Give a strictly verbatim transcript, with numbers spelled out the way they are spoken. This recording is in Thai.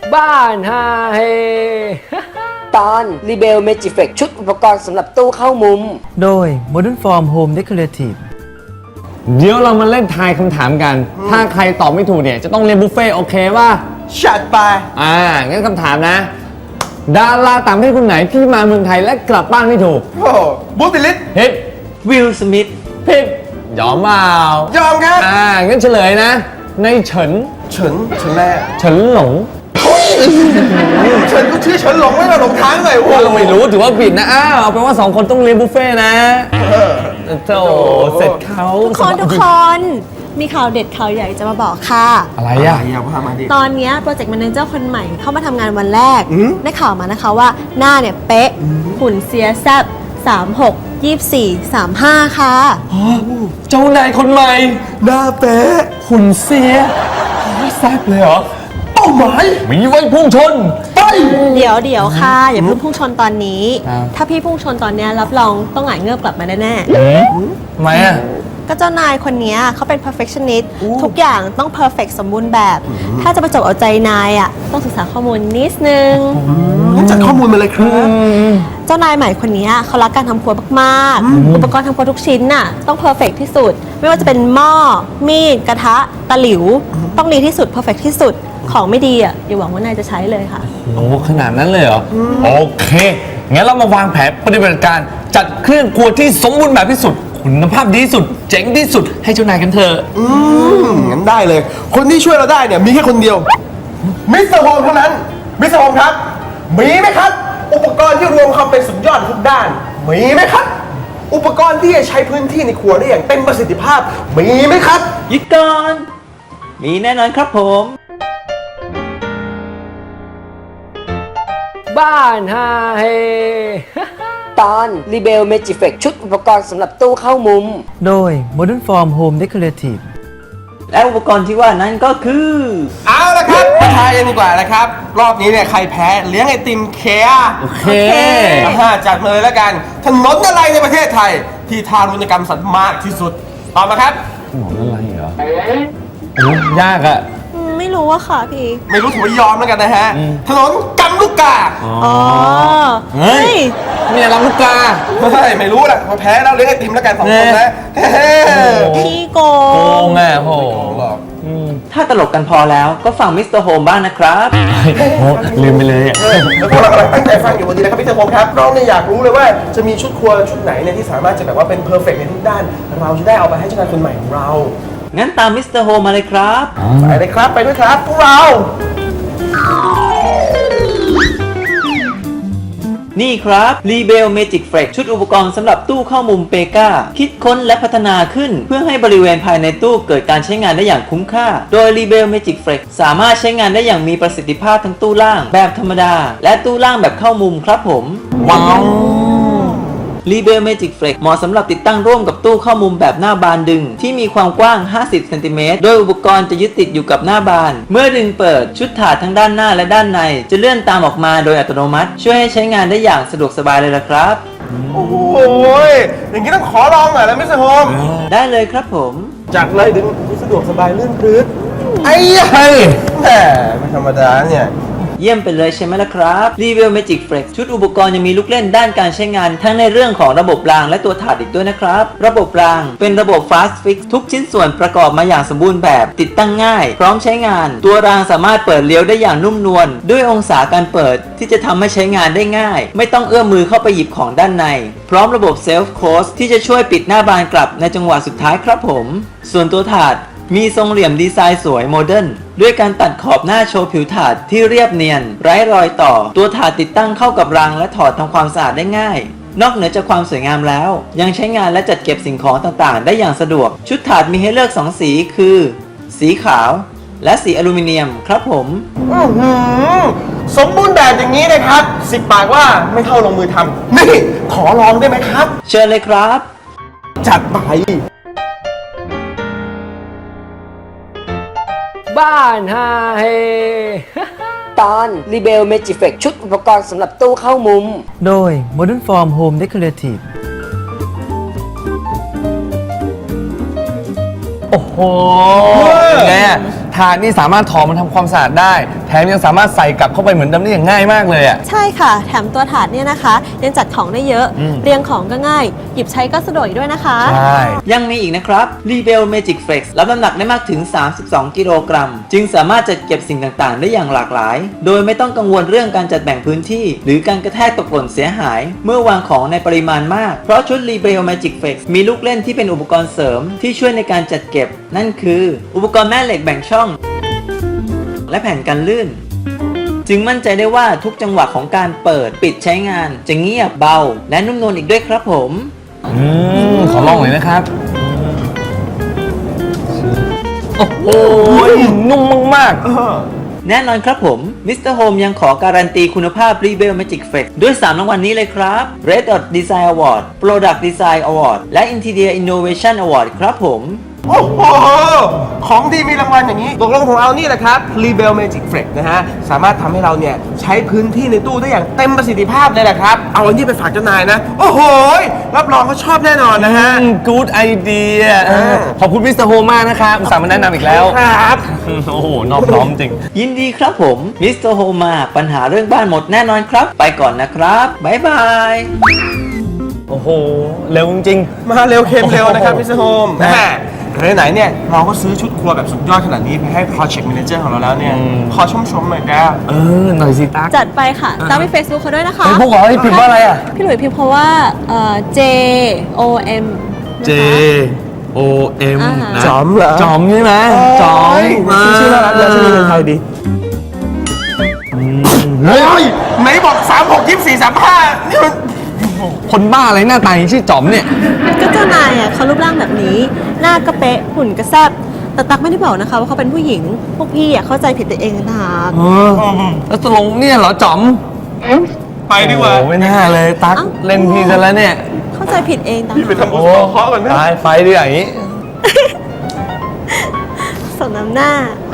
บ้านฮาเฮตอน Rebel Magiflex ชุดอุปกรณ์สำหรับตู้เข้ามุมโดย Modern Form Home Decorative เดี๋ยวเรามาเล่นทายคำถามกัน ถ้าใครตอบไม่ถูกเนี่ยจะต้องเรียนบุฟเฟ่ต์โอเคป่ะชัดไปอ่า งั้นคำถามนะ ดาราต่างประเทศคนไหนที่มาเมืองไทยและกลับบ้านไม่ถูกโอ้บูติลิสผิดวิลสมิธผิดยอมเปล่ายอมครับอ่า งั้นเฉลยนะ ในเฉินเฉินเฉินแม่เฉินหลงเฉินก็ชื่อเฉินหลงไม่มาหลงทางหน่อยโอ้เราไม่รู้ถือว่าผิดนะ อ้าว เอาเป็นว่าสองคนต้องเรียนบุฟเฟ่ต์นะโธ่เสร็จเขาทุกคนทุกคนมีข่าวเด็ดข่าวใหญ่จะมาบอกค่ะอะไรอย่าอ่ะอย่าพามาดิตอนนี้โปรเจกต์แมเนเจอร์คนใหม่เข้ามาทำงานวันแรกอืมได้ข่าวมานะคะว่าหน้าเนี่ยเป๊ะ หุ่นเสียแซบสามหก ยี่สิบสี่ สามห้าค่ะเจ้านายคนใหม่หน้าเป๊ะหุ่นเสียโอ้ยแซ่บเลยเหรอเป้าหมายมีไว้พุ่งชนไปเดี๋ยวเดี๋ยวค่ะ อย่าเพิ่งพุ่งชนตอนนี้ครับถ้าพี่พุ่งชนตอนเนี้ยรับรองต้องหงายเงือบกลับมาแน่ทำไมอ่ะๆก็เจ้านายคนเนี้ยเขาเป็น perfectionist ทุกอย่างต้อง perfect สมบูรณ์แบบ ถ้าจะไปจบเอาใจนายอ่ะต้องศึกษาข้อมูลนิดนึงงั้นจัดข้อมูลมาเลยครับเจ้านายใหม่คนนี้เขารักการทำครัวมากๆ อุปกรณ์ทำครัวทุกชิ้นน่ะต้องเพอร์เฟกที่สุด ไม่ว่าจะเป็นหม้อ มีด กระทะ ตะหลิว ต้องดีที่สุดเพอร์เฟกที่สุด ของไม่ดีอ่ะอย่าหวังว่านายจะใช้เลยค่ะโอ้ขนาดนั้นเลยเหรอ โอเค งั้นเรามาวางแผนปฏิบัติการจัดเครื่องครัวที่สมบูรณ์แบบที่สุด คุณภาพดีที่สุด เจ๋งที่สุดให้เจ้านายกันเถอะอืมงั้นได้เลย คนที่ช่วยเราได้เนี่ยมีแค่คนเดียว มิสเตอร์โฮมเท่านั้น มิสเตอร์โฮมครับ มีไหมครับ อุปกรณ์ที่รวมความเป็นสุดยอดทุกด้าน มีไหมครับ อุปกรณ์ที่จะใช้พื้นที่ในครัวได้อย่างเต็มประสิทธิภาพ มีไหมครับหยุดก่อน มีแน่นอนครับผมบ้านฮาเฮตอน Rebel Magiflex ชุดอุปกรณ์สำหรับตู้เข้ามุมโดย Modern Form Home Decorative และอุปกรณ์ที่ว่านั้นก็คือเอาละครับมาทายกันดีกว่านะครับ รอบนี้เนี่ยใครแพ้เลี้ยงไอติมเคอาโอเคอ่าจัดมาเลยแล้วกัน ถนนอะไรในประเทศไทย ที่ทารุณกรรมสัตว์มากที่สุดตอบมาครับหมออะไรเหรอโอ้ยากอะอืมไม่รู้ว่าค่ะพี่ไม่รู้ถือว่ายอมแล้วกันนะฮะ ถนนกำลูกกาอ๋อเฮ้ย มีอะไรลูกกาเฮ้ยไม่รู้แหละพอแพ้แล้วเลี้ยงไอติมแล้วกันสองคนนะเฮ้พี่โกโกงงอ่ะโหหรอกถ้าตลกกันพอแล้วก็ฟังมิสเตอร์โฮมบ้างนะครับโหลืมไปเลยอ่ะแล้วพวกเรากำลังตั้งใจฟังอยู่วันนี้นะครับพี่เตอร์พงศ์ครับเราเนี่ยอยากรู้เลยว่าจะมีชุดครัวชุดไหนเนี่ยที่สามารถจะแบบว่าเป็นเพอร์เฟกต์ในทุกด้าน เราจะได้เอาไปให้เจ้านายคนใหม่ของเรางั้นตามมิสเตอร์โฮมมาเลยครับไปเลยครับไปด้วยครับพวกเรานี่ครับ Rebel Magic Flex ชุดอุปกรณ์สำหรับตู้เข้ามุมเปกาคิดค้นและพัฒนาขึ้น เพื่อให้บริเวณภายในตู้เกิดการใช้งานได้อย่างคุ้มค่า โดย Rebel Magic Flex สามารถใช้งานได้อย่างมีประสิทธิภาพทั้งตู้ล่างแบบธรรมดา และตู้ล่างแบบเข้ามุมครับผมว้าว Rebel Magic Flex เหมาะสำหรับติดตั้งร่วมกับตู้เข้ามุมแบบหน้าบานดึง ที่มีความกว้าง ห้าสิบเซนติเมตร โดยอุปกรณ์จะยึดติดอยู่กับหน้าบาน เมื่อดึงเปิดชุดถาดทั้งด้านหน้าและด้านใน จะเลื่อนตามออกมาโดยอัตโนมัติ ช่วยให้ใช้งานได้อย่างสะดวกสบายเลยล่ะครับโอ้โหอย่างนี้ต้องขอลองหน่อยแล้วมิสเตอร์โฮมได้เลยครับผมจัดเลยดึงสะดวกสบายลื่นปลื้ดไอ้ยะเฮ้ยแหมไม่ธรรมดาเนี่ยเยี่ยมไปเลยใช่ไหมล่ะครับ Rebel Magic Flex ชุดอุปกรณ์ยังมีลูกเล่นด้านการใช้งานทั้งในเรื่องของระบบรางและตัวถาดอีกด้วยนะครับ ระบบรางเป็นระบบ Fast Fix ทุกชิ้นส่วนประกอบมาอย่างสมบูรณ์แบบ ติดตั้งง่าย พร้อมใช้งาน ตัวรางสามารถเปิดเลี้ยวได้อย่างนุ่มนวลด้วยองศาการเปิดที่จะทำให้ใช้งานได้ง่าย ไม่ต้องเอื้อมมือเข้าไปหยิบของด้านใน พร้อมระบบ Self Close ที่จะช่วยปิดหน้าบานกลับในจังหวะสุดท้ายครับผม ส่วนตัวถาดมีทรงเหลี่ยมดีไซน์สวยโมเดิร์นด้วยการตัดขอบหน้าโชว์ผิวถาดที่เรียบเนียน ไร้รอยต่อ ตัวถาดติดตั้งเข้ากับรางและถอดทำความสะอาดได้ง่าย นอกเหนือจากความสวยงามแล้ว ยังใช้งานและจัดเก็บสิ่งของต่างๆ ได้อย่างสะดวก ชุดถาดมีให้เลือกสองสีคือ สีขาว และสีอลูมิเนียมครับผมอื้อหือสมบูรณ์แบบอย่างนี้นะครับสิบปากว่าไม่เท่าลงมือทำนี่ขอลองได้ไหมครับเชิญเลยครับจัดไปบ้านฮาเฮตอน Rebel Magiflex ชุดอุปกรณ์สำหรับตู้เข้ามุมโดย Modern Form Home Decorative โอ้โหเป็นไงอะทถาดนี่สามารถถอดมาทำความสะอาดได้ แถมยังสามารถใส่กลับเข้าไปเหมือนเดิมได้อย่างง่ายมากเลยอ่ะใช่ค่ะ แถมตัวถาดเนี่ยนะคะยังจัดของได้เยอะ เรียงของก็ง่าย หยิบใช้ก็สะดวกอีกด้วยนะคะใช่ยังมีอีกนะครับ Rebel Magic Flex รับน้ำหนักได้มากถึง สามสิบสอง กิโลกรัม จึงสามารถจัดเก็บสิ่งต่างๆ ได้อย่างหลากหลาย โดยไม่ต้องกังวลเรื่องการจัดแบ่งพื้นที่ หรือการกระแทกตกหล่นเสียหาย เมื่อวางของในปริมาณมาก เพราะชุด Rebel Magic Flex มีลูกเล่นที่เป็นอุปกรณ์เสริมที่ช่วยในการจัดเก็บ นั่นคือ อุปกรณ์แม่เหล็กแบ่งช่อง และแผ่นกันลื่น จึงมั่นใจได้ว่าทุกจังหวะของการเปิดปิดใช้งาน จะเงียบเบา และนุ่มนวลอีกด้วยครับผมอืมขอลองหน่อยนะครับ โอ้โหนุ่มมากๆแน่นอนครับผม มิสเตอร์ Home ยังขอการันตีคุณภาพ Rebel Magic Flex ด้วย สาม รางวัลนี้เลยครับ Red Dot Design Award Product Design Award และ Interior Innovation Award ครับผมโอ้โห ของดีมีรางวัลอย่างนี้ตกลงของเรานี่แหละครับ Rebel Magic Flex นะฮะ สามารถทำให้เราเนี่ยใช้พื้นที่ในตู้ได้อย่างเต็มประสิทธิภาพเลยแหละครับ เอาอันนี้ไปฝากเจ้านายนะ โอ้โห รับรองเขาชอบแน่นอนนะฮะกู๊ดไอเดียขอบคุณมิสเตอร์โฮมมากนะครับอุตส่าห์มาแนะนำอีกแล้วครับโอ้โห นอบน้อมจริงยินดีครับผม มิสเตอร์ Home มาปัญหาเรื่องบ้านหมดแน่นอนครับ ไปก่อนนะครับ บ๊ายบายโอ้โห เร็วจริงมาเร็วเค็มเร็วนะครับมิสเตอร์โฮมนะแม่ไหนๆเนี่ยเราก็ซื้อชุดครัวแบบสุดยอดขนาดนี้ไปให้ Project Manager ของเราแล้วเนี่ย ขอชมชมๆหน่อยแกเออ หน่อยสิตั๊กจัดไปค่ะตามไป Facebook เขาด้วยนะคะเฮ้ยพวกเราให้พิมพ์ว่าอะไรอ่ะพี่หลุยส์พิมพ์เพราะว่าเอ่อ J O M นะคะ J O M อ่าฮะนะจอมเหรอจอมใช่ไหมจอมชื่อชื่อน่ารักเลยชื่อเป็นไทยดีเฮ้ยไหนบอกสามหกยี่สี่สามห้านี่มันคนบ้าอะไรหน้าตาอย่างนี้ชื่อจอมเนี่ยก็เจ้านายอ่ะเขารูปร่างแบบนี้ หน้าก็เป๊ะหุ่นก็แซ่บแต่ตักไม่ได้บอกนะคะว่าเขาเป็นผู้หญิง พวกพี่อ่ะเข้าใจผิดตัวเองนะเออ แล้วตกลงเนี่ยเหรอจอมไปดีกว่าโอ้ไม่น่าเลยตั๊กเล่นพี่ซะแล้วเนี่ยเข้าใจผิดเองตักพี่ไปทำบุญสะเคาะก่อนนะตายไฟดีอย่างนี้สมน้ำหน้า